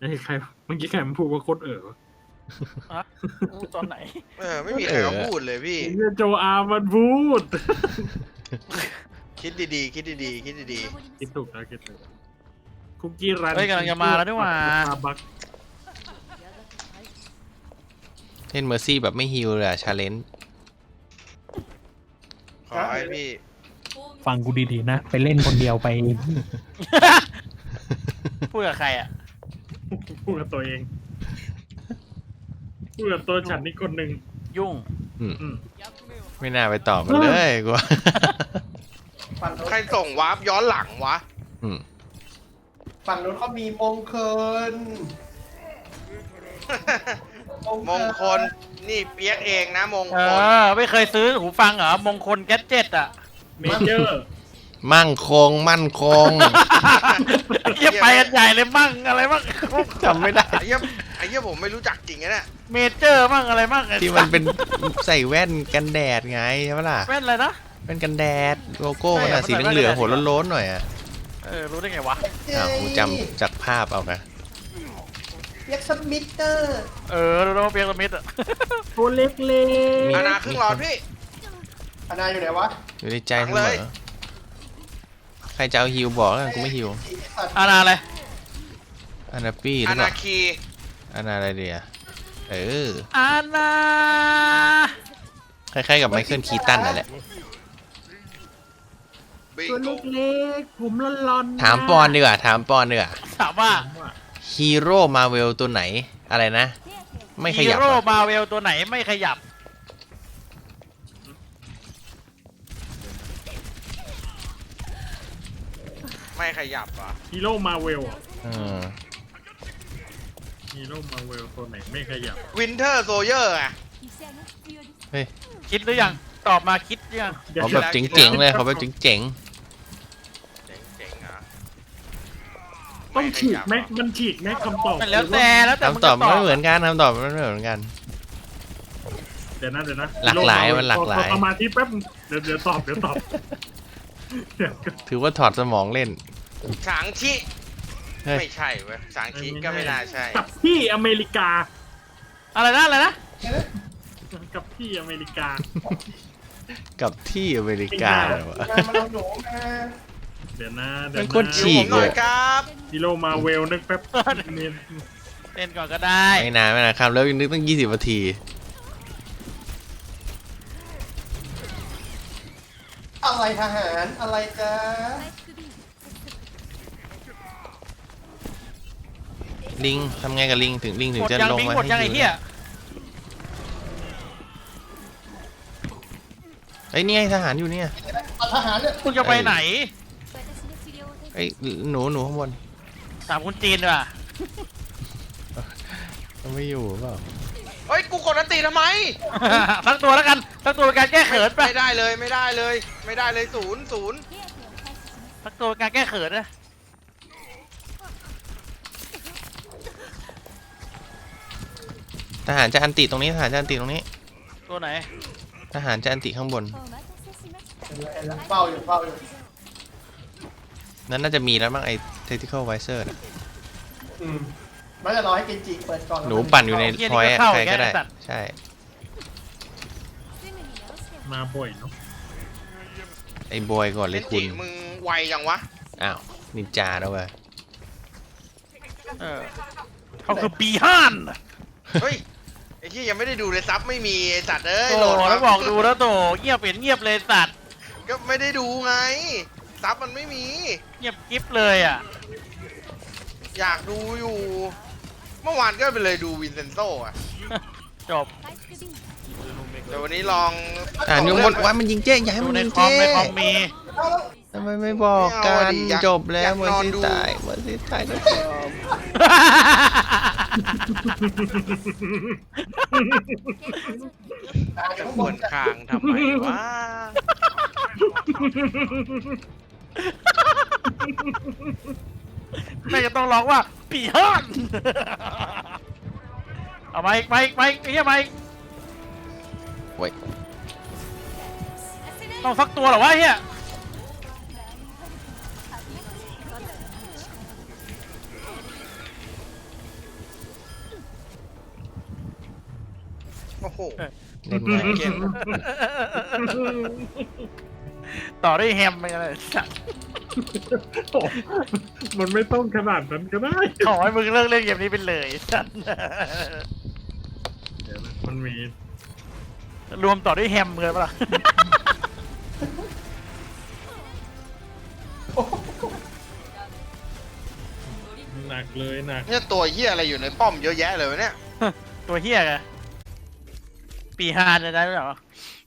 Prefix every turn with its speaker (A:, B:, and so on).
A: ไอ้ใครเมื่อกี้ใครมันพูดว่าโคตร
B: อะตอนไหน
C: ไม่มีใครเขาพูดเลยพี่
A: โจอามันพูด
C: คิดดีๆคิดดีๆคิดดี
A: คิดถูกแล้วคิดถูกคุกกี้รัน
B: เฮ้ยกำลังจะมาแล้วนี่หว่า
A: บัก
D: เล่นเมอร์ซี่แบบไม่ฮิลเลยอะชาเลนจ์
C: ๆขอให้พี่
E: ฟังกูดีๆนะ ไปเล่นคนเดียวไป
B: พูดกับใครอ่ะ
A: พูดกับตัวเองพูดกับตัวฉันนี่คนหนึ่ง
B: ยุ่ง
A: อืม
D: ไม่น่าไปตอบมันเลยกูว่า
C: ใครส่งวาร์ปย้อนหลังวะ
D: อืม
F: ฝั่งนู้นเขามีมงคล
C: มงคลนี่เปียกเองนะมง
B: เอ
C: คล
B: อ ไม่เคยซื้อหูฟังเหรอ มงคลแก๊สเจ็ตอ่ะ
A: เมเจอร์
D: มั่งคง
B: เยี่ยไปกันใหญ่เลยมั่งอะไรมั่ง
D: จำไม่ได้
C: ไอ้เหี้ยผมไม่รู้จักจริงนะเนี่ย
B: เมเจอร์มั่งอะไรมั่งไอ้
D: ที่มันเป็นใส่แว่นกันแดดไงใช่ปะล่ะ
B: แว่นอะไรนะ
D: แว่นกันแดดโลโก้มัน
B: ใช่
D: อะ
B: อะ
D: สีเหลืองๆหัวโล้นๆหน่อยอะ
B: รู้ได้ไงวะ
D: อ้าวกูจำจากภาพเอาไง
F: เรียกสมิเตอร์
B: รู้แล้วว่าเปียกสมิธอ่ะ
A: ตัวเล็ก
C: อาณาครึ่งหลอดพี่
F: อนาอยู่ไหนวะ
D: อยู่ในใจเส
C: เล
D: มอย ใครจะเอาฮิวบอกแล้วกันกูไม่ฮิว
B: อาณาอะไร
D: อานาปี้หรื
C: อา
D: อเป
C: ณา
D: ล่า
C: คี
D: อานาอะไรเดียเออ
B: อาณา
D: คล้ายๆกับไมเคิลคีตันนั่นแหละ
C: บิ
A: ๆตัว
C: โก
A: เล็กๆผมร้อนๆ
D: ถามปอนดีกว่าถามปอนดีกว่า
B: ถามว่า
D: ฮีโร่มาเวลตัวไหนอะไรนะ ไม่ขยับ
B: ฮีโร่
D: อะ
B: มาเวลตัวไหนไม่ขยับ
C: ไม่ขยับเหรอ
A: ฮีโร่มาเวล
D: เออ
A: ฮีโร่มาเวลตัวไหนไม่ขยับ
C: วินเทอร์โซเยอร์อะ
D: เฮ้ย
B: คิดหรือยัง ตอบมาคิดหรือยัง
D: เขาแบบเจ๋งๆเลยเขาแบบเจ๋ง
C: เจ๋งๆอ่ะ
A: ต้องฉีกแม็กมันฉีกแม็กคำตอบ
B: มันแล้วแต่
D: ๆ
B: มึง
D: คำตอบ
B: จะ
D: ไม่เหมือนกันคำตอบไม่เหมือนกัน
A: เดี๋ยวนะ
D: หลากหลายมันหลากหลาย
A: ขอสมาธิแป๊บเดี๋ยวตอบเดี๋ยว
D: ถือว่าถอดสมองเล่น
C: ฉางชิ
D: เฮ้ย
C: ไม่ใช่เว้ยฉางชิก็ไม่น่าใช่
A: กับที่อเมริกา
B: อะไรนะอะไรนะ
A: กับที่อเมริกา
D: กับที่อเมริกาเลยวะ
F: มาลองหนูมา
A: เดี๋ยวนะ
D: มันโคตร
C: ดู
D: ฉี
C: ผ
D: ก
C: มหน่อยครับ
A: ฮีโร่มาเวลนึกแป๊บเนี่ย
B: เล่นก่อนก็ได้
D: ไม่นานไม่นานคำแล้วยังนึกตั้ง20 นาที
F: อะไรทหารอะไรจ้า
D: ลิงทำไงกับลิงถึงลิงถึ
B: ห
D: ง
B: มด
D: จะ
B: ยัง
D: ลง
B: บิง
D: มา
B: หมดยัง
D: ให้
B: ไอ้
D: ดู
B: เหี้ย
D: ไอ้ยนี่ไงทหารอยู่เนี่ย
F: เอาทหารเนี่ย
B: มึงจะไปไหน
D: ไอ้ยหนูข้างบน
B: ถามคุณจีนดีกว่า
D: มันไม่อยู่เปล่า
C: เฮ้ยกูกดอันตีทำไม
B: ทั้งตัวแล้วกันทั้งตัวเป็นการแก้เขินไป
C: ไม่ได้เลยไม่ได้เลยไม่ได้เลยศูนย์
B: ทั้งตัวเป็นการแก้เขินนะ
D: ทหารจะอันติตรงนี้ทหารจะอันติตรงนี้
B: ตัวไหน
D: ทหารจะอันติข้างบน
F: เฝ้าอยู่เฝ้าอยู่
D: นั้นน่าจะมีแล้วมั้งไอ้ tactical visor น่ะ
F: อืมมันจะรอให้เกนจิเปิดก่อน
D: หนูปั่นอยู่ในพอยต์ใครก็ได้ใช่
A: มาบ่อยเนาะ
D: ไอ้บอยก่อน
C: ๆ
D: เล
C: เล่
D: ย
C: น
D: คุ
C: จิ
D: ณ
C: มึงไวยังวะ
D: อ้าวนินจาแล้วเว้ย
B: เขาคือปีห้าน
C: เฮ้ยไอ้ที่ยังไม่ได้ดูเลยซับไม่มีไอ้สัตว์เอ้ย
B: โอ้
C: โหลด
B: แล้ว
C: มา
B: บอกดูแล้วโตเงียบเงียบเลยสัตว์
C: ก็ไม่ได้ดูไงซับมันไม่มี
B: เงียบกิ๊บเลยอ่ะ
C: อยากดูอยู่ เมื่อวานก็ไปเลยดูวินเซนโซอ่ะ
B: จบ
C: แต่วันนี้ลอง
D: อ่านอยู่บนว่ามันยิงเจ๊อย่าให้
B: ดู
D: มัน
B: ใน
D: ยิง
B: คอม
D: เจ๊
B: ในคอมมี
D: ทำไมไม่บอกกันจบแล้วเมื่อสิตายเมื่อสิตายก็จบ
C: จะควรคางทำไมวะ
B: แม่จะต้องร้องว่าปีห้านเอาไปไปไปไอ้เหี้ยไป
D: โอ้ย
B: ต้องฟักตัวเหรอวะไอ้เหี้ย
D: เล่นง่าย
C: เกม
B: ต่อด้วยแฮมไปเลยสัตว์
A: โอ้มันไม่ต้องขนาดนั้นก็ได้
B: ขอให้มึงเลิกเล่นเกมนี้ไปเลยสัตว์
A: เดี๋ยวนะมันมี
B: รวมต่อด้วยแฮมเลยปะล่ะ
A: หนักเลยหนัก
C: เนี่ยตัวเหี้ยอะไรอยู่ในป้อมเยอะแยะเลยวะเนี่ย
B: ตัวเฮียไงปีฮานจะได้หรือเปล่า